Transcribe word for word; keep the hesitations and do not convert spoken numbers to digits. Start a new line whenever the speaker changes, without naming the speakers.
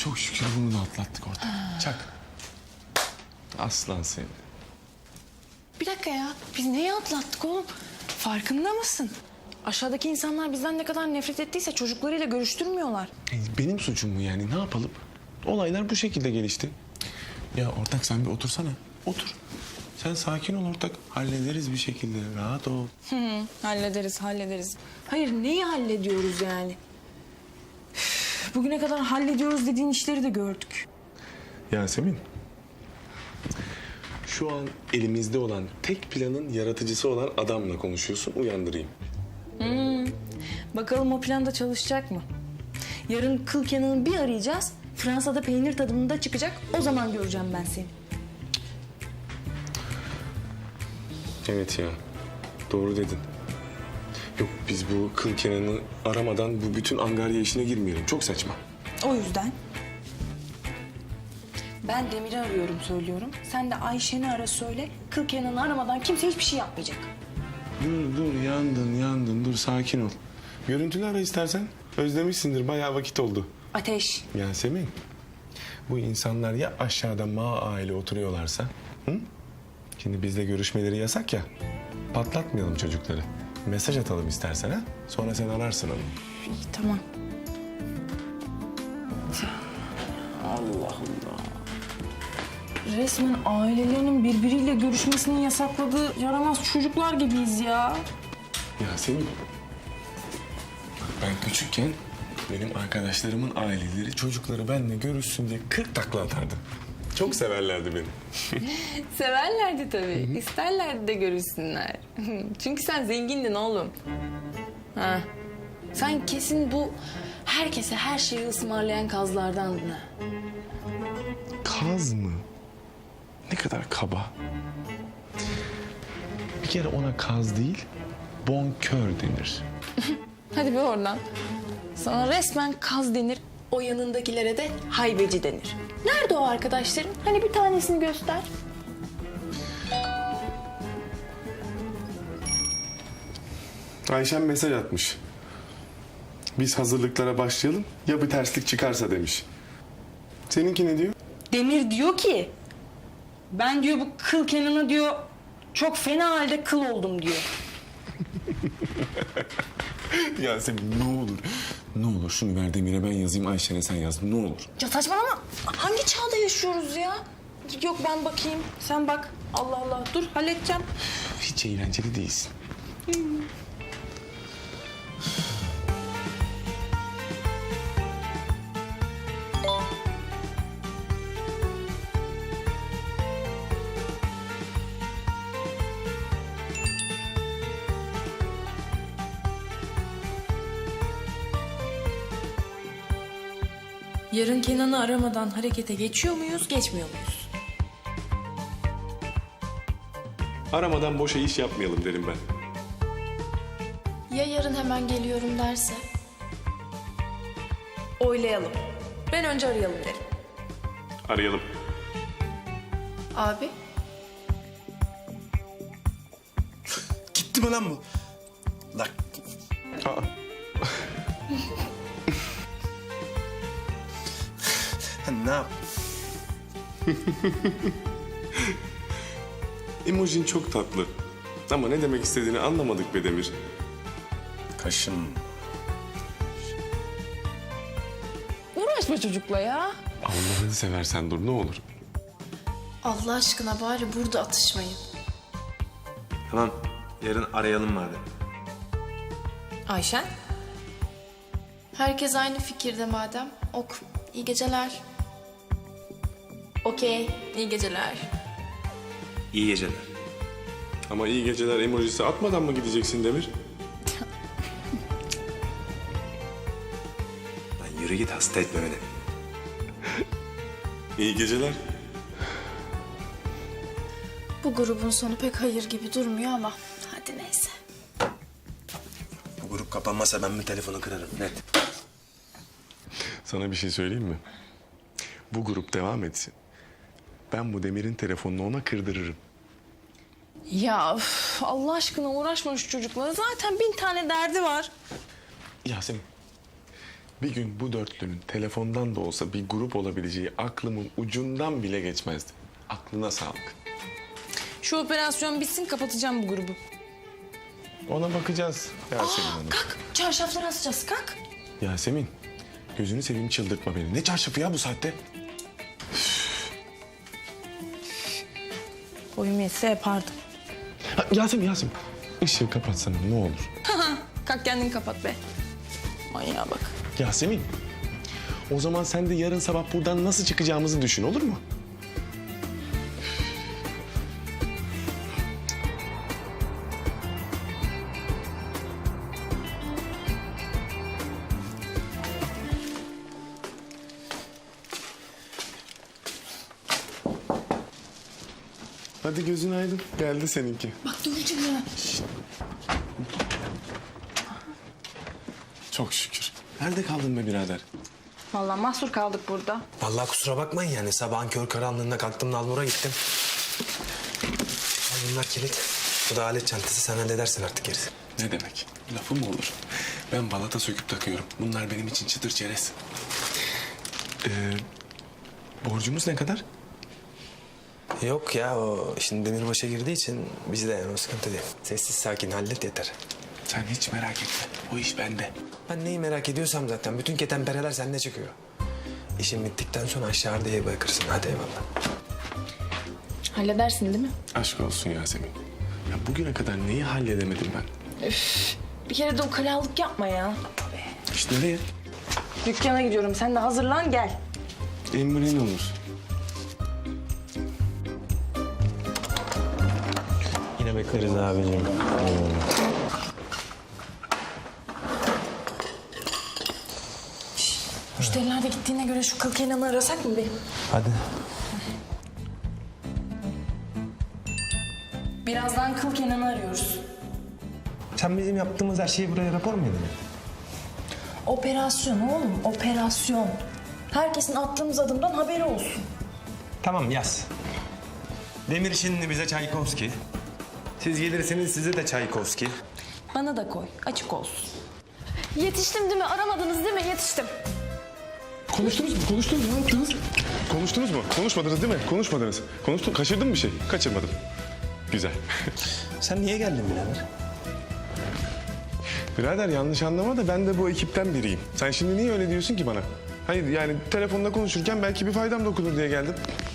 çok şükür bunu da atlattık ortak. Çak. Aslan seni.
Bir dakika ya. Biz neyi atlattık oğlum? Farkında mısın? Aşağıdaki insanlar bizden ne kadar nefret ettiyse çocuklarıyla görüştürmüyorlar.
E, Benim suçum mu yani? Ne yapalım? Olaylar bu şekilde gelişti. Ya ortak sen bir otursana. Otur. Sen sakin ol ortak. Hallederiz bir şekilde. Rahat ol.
Hı hı, hallederiz, hallederiz. Hayır, neyi hallediyoruz yani? Üf, bugüne kadar hallediyoruz dediğin işleri de gördük.
Yasemin. Şu an elimizde olan tek planın yaratıcısı olan adamla konuşuyorsun. Uyandırayım.
Bakalım o plan da çalışacak mı? Yarın kıl Kenan'ı bir arayacağız. Fransa'da peynir tadımında çıkacak. O zaman göreceğim ben seni.
Evet ya. Doğru dedin. Yok biz bu kıl Kenan'ı aramadan bu bütün angarya işine girmeyelim. Çok saçma.
O yüzden ben Demir'i arıyorum söylüyorum. Sen de Ayşen'i ara söyle. Kıl Kenan'ı aramadan kimse hiçbir şey yapmayacak.
Dur dur yandın yandın dur sakin ol. Görüntülü ara istersen. Özlemişsindir bayağı vakit oldu.
Ateş.
Yasemin. Bu insanlar ya aşağıda ma aile oturuyorlarsa. Hı? Şimdi bizle görüşmeleri yasak ya. Patlatmayalım çocukları. Mesaj atalım istersen ha. Sonra sen ararsın onu.
İyi, tamam. Allah Allah. Resmen ailelerinin birbiriyle görüşmesini yasakladığı yaramaz çocuklar gibiyiz ya.
Yasemin. Bak ben küçükken benim arkadaşlarımın aileleri çocukları benimle görüşsün diye kırk takla atardı. Çok severlerdi beni.
Severlerdi tabii. İsterlerdi de görüşsünler. Çünkü sen zengindin oğlum. Ha. Sen kesin bu herkese her şeyi ısmarlayan kazlardandın ha.
Kaz mı? Ne kadar kaba. Bir kere ona kaz değil, bonkör denir.
Hadi be oradan. Sana resmen kaz denir. O yanındakilere de haybeci denir. Nerede o arkadaşların? Hani bir tanesini göster.
Ayşem mesaj atmış. Biz hazırlıklara başlayalım, ya bir terslik çıkarsa demiş. Seninki ne diyor?
Demir diyor ki... Ben diyor bu kıl Kenan'a diyor... Çok fena halde kıl oldum diyor.
Yasemin ne olur, ne olur şunu ver Demir'e ben yazayım, Ayşen'e sen yaz, ne olur.
Ya saçmalama. Hangi çağda yaşıyoruz ya? Yok ben bakayım. Sen bak. Allah Allah. Dur halledeceğim.
Hiç eğlenceli değilsin.
Yarın Kenan'ı aramadan harekete geçiyor muyuz, geçmiyor muyuz?
Aramadan boşa iş yapmayalım derim ben.
Ya yarın hemen geliyorum derse?
Oylayalım. Ben önce arayalım derim.
Arayalım.
Abi,
Gitti mi lan bu? Lan
Aa,
ne yap?
emojin çok tatlı. Ama ne demek istediğini anlamadık be Demir.
Kaşım.
Uğraşma çocukla ya.
Allah'ını seversen dur ne olur.
Allah aşkına bari burada atışmayın.
Tamam, yarın arayalım madem.
Ayşen?
Herkes aynı fikirde madem. Ok, iyi geceler.
Okey. İyi geceler.
İyi geceler.
Ama iyi geceler emojisi atmadan mı gideceksin Demir?
Lan yürü git, hasta etme beni.
İyi geceler.
Bu grubun sonu pek hayır gibi durmuyor ama hadi neyse.
Bu grup kapanmazsa ben bir telefonu kırarım, net.
Sana bir şey söyleyeyim mi? Bu grup devam etsin. Ben bu Demir'in telefonunu ona kırdırırım.
Ya üf, Allah aşkına uğraşma şu çocukla. Zaten bin tane derdi var.
Yasemin, Bir gün bu dörtlünün telefondan da olsa bir grup olabileceği aklımın ucundan bile geçmezdi. Aklına sağlık.
Şu operasyon bitsin kapatacağım bu grubu.
Ona bakacağız Yasemin Hanım.
Kalk çarşafları asacağız kalk.
Yasemin, gözünü seveyim çıldırtma beni. Ne çarşafı ya bu saatte?
Boyum yetse yapardım.
Ha, Yasemin, Yasemin. Işığı kapatsana ne olur.
Kalk kendin kapat be. Manyağa bak.
Yasemin, o zaman sen de yarın sabah buradan nasıl çıkacağımızı düşün, olur mu? Hadi gözün aydın. Geldi seninki.
Bak döveceğim ya.
Çok şükür. Nerede kaldın be birader?
Vallahi mahsur kaldık burada.
Vallahi kusura bakmayın yani. Sabahın kör karanlığında kalktım Nalbur'a gittim. Al bunlar kilit. Bu da alet çantası. Sen halledersin artık gerisi.
Ne demek? Lafı mı olur? Ben balata söküp takıyorum. Bunlar benim için çıtır çerez. Ee, borcumuz ne kadar?
Yok ya o şimdi demirbaşa girdiği için bizde yani o sıkıntı değil. Sessiz sakin hallet yeter.
Sen hiç merak etme. O iş bende.
Ben neyi merak ediyorsam zaten bütün ketenpereler sende çıkıyor. İşin bittikten sonra aşağıda iyi bırakırsın. Hadi eyvallah.
Halledersin değil mi?
Aşk olsun Yasemin. Ya bugüne kadar neyi halledemedim ben?
Bir kere de o kalalık yapma ya.
İşte nereye?
Dükkana gidiyorum. Sen de hazırlan gel.
Emrin olur.
Yine bekleriz abicim.
Müşteriler de gittiğine göre şu kıl Kenan'ı arasak mı bir?
Hadi.
Birazdan kıl Kenan'ı arıyoruz.
Sen bizim yaptığımız her şeyi buraya rapor mu edin?
Operasyon oğlum, operasyon. Herkesin attığımız adımdan haberi olsun.
Tamam yaz. Demir şimdi bize Çaykovski. Siz gelirsiniz size de Çaykovski.
Bana da koy, açık olsun.
Yetiştim değil mi? Aramadınız değil mi? Yetiştim.
Konuştunuz mu? Konuştunuz mu? Ne yaptınız? Konuştunuz mu? Konuşmadınız değil mi? Konuşmadınız. Konuştun. Kaçırdın mı bir şey? Kaçırmadım. Güzel.
Sen niye geldin birader?
Birader yanlış anlama da ben de bu ekipten biriyim. Sen şimdi niye öyle diyorsun ki bana? Hayır yani telefonda konuşurken belki bir faydam dokunur diye geldim.